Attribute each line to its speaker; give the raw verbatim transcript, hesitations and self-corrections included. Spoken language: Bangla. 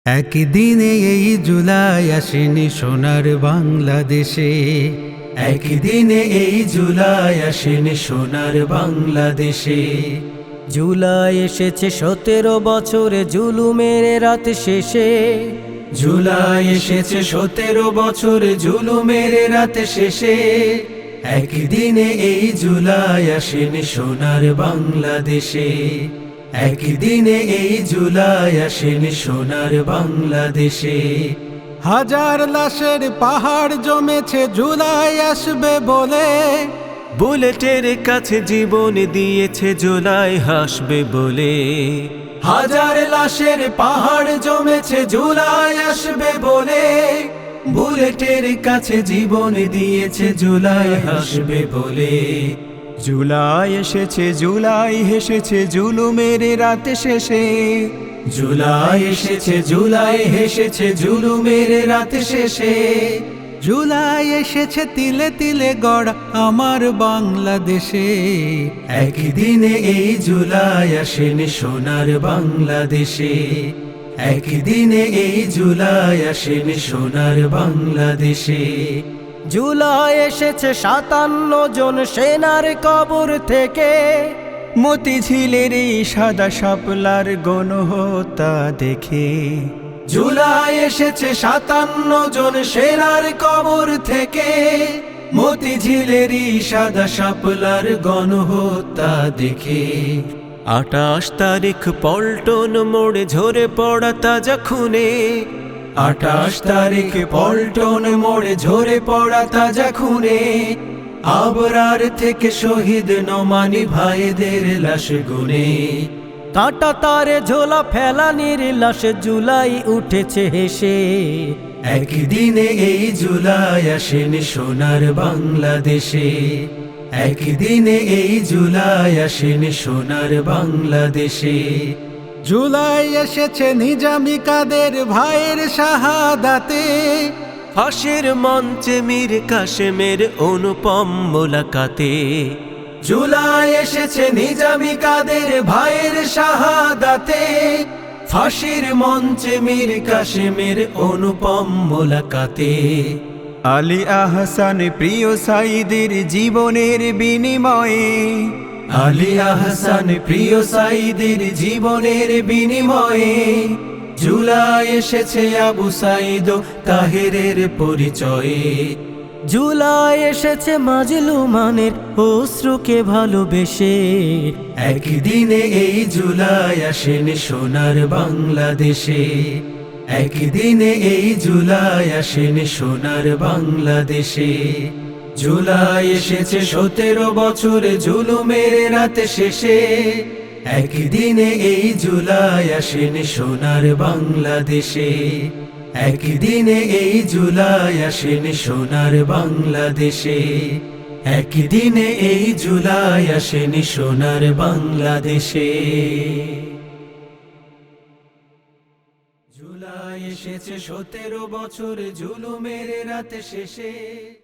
Speaker 1: একদিনে এই জুলাই আসেনি সোনার বাংলাদেশে, একদিনে এই জুলাই আসেনি সোনার বাংলাদেশে।
Speaker 2: জুলাই এসেছে সতেরো বছরে জুলুমের রাত শেষে,
Speaker 1: জুলাই এসেছে সতেরো বছরে জুলুমের রাত শেষে। একদিনে এই জুলাই আসেনি সোনার বাংলাদেশে, একদিনে এই জুলাই আসেনি সোনার বাংলাদেশে। হাজার লাশের পাহাড় জমেছে জুলাই আসবে বলে,
Speaker 3: বুলেটের কাছে জীবন দিয়েছে জুলাই হাসবে বলে।
Speaker 1: হাজার লাশের পাহাড় জমেছে জুলাই আসবে বলে, বুলেটের কাছে জীবন দিয়েছে জুলাই হাসবে বলে।
Speaker 3: জুলাই এসেছে জুলাই হেসেছে জুলুমের রাত শেষে,
Speaker 1: জুলাই এসেছে জুলাই হেসেছে জুলুমের রাত শেষে। জুলাই এসেছে তিলে তিলে গড়া আমার বাংলাদেশে, একদিনে এই জুলাই আসেনি সোনার বাংলাদেশে, একদিনে এই জুলাই আসেনি সোনার বাংলাদেশে।
Speaker 2: জুলাই এসেছে সাতান্ন জন সেনার কবর থেকে,
Speaker 3: মতিঝিলের এই সাদা শাপলার গণহত্যা দেখে।
Speaker 1: জুলাই এসেছে সাতান্ন জন সেনার কবর থেকে, মতিঝিলেরই সাদা শাপলার গণহত্যা দেখে।
Speaker 3: আটাশ তারিখ পল্টন মোড়ে ঝরে পড়া তাজা খুনে,
Speaker 1: আটাশ তারিখ পল্টন মোড়ে ঝরে পড়া তাজা খুনে। আবরার থেকে শহীদ নোমানি ভাইদের লাশ গুনে,
Speaker 2: কাঁটা তারে ঝোলা ফেলানির লাশে জুলাই উঠেছে হেসে।
Speaker 1: একদিনে এই জুলাই আসেনি সোনার বাংলাদেশে, একদিনে এই জুলাই আসেনি সোনার বাংলাদেশে। জুলাই এসেছে নিজামি কাদের ভাইয়ের শাহাদাতে,
Speaker 3: ফাঁসির মঞ্চে মীর কাশেমের অনুপম মোলাকাতে।
Speaker 1: জুলাই এসেছে নিজামি কাদের ভাইয়ের শাহাদাতে, ফাঁসির মঞ্চে মীর কাশেমের অনুপম মোলাকাতে।
Speaker 3: আলী আহসান প্রিয় সাইদের জীবনের বিনিময়ে,
Speaker 1: আলী আহসান প্রিয় সাইদের জীবনের বিনিময়ে। জুলাই এসেছে আবু সাইদ তাহেরের পরিচয়ে,
Speaker 2: জুলাই এসেছে মাজলুমানের অশ্রুকে ভালোবেসে।
Speaker 1: একদিনে এই জুলাই আসেনি সোনার বাংলাদেশে, একদিনে এই জুলাই আসেনি সোনার বাংলাদেশে। জুলাই এসেছে সতেরো বছরে জুলুমের রাত শেষে, একদিনে এই জুলাই আসেনি সোনার বাংলাদেশে, একদিনে এই জুলাই আসেনি সোনার বাংলাদেশে, একদিনে এই জুলাই আসেনি সোনার বাংলাদেশে। জুলাই এসেছে সতেরো বছরে জুলুমের রাত শেষে।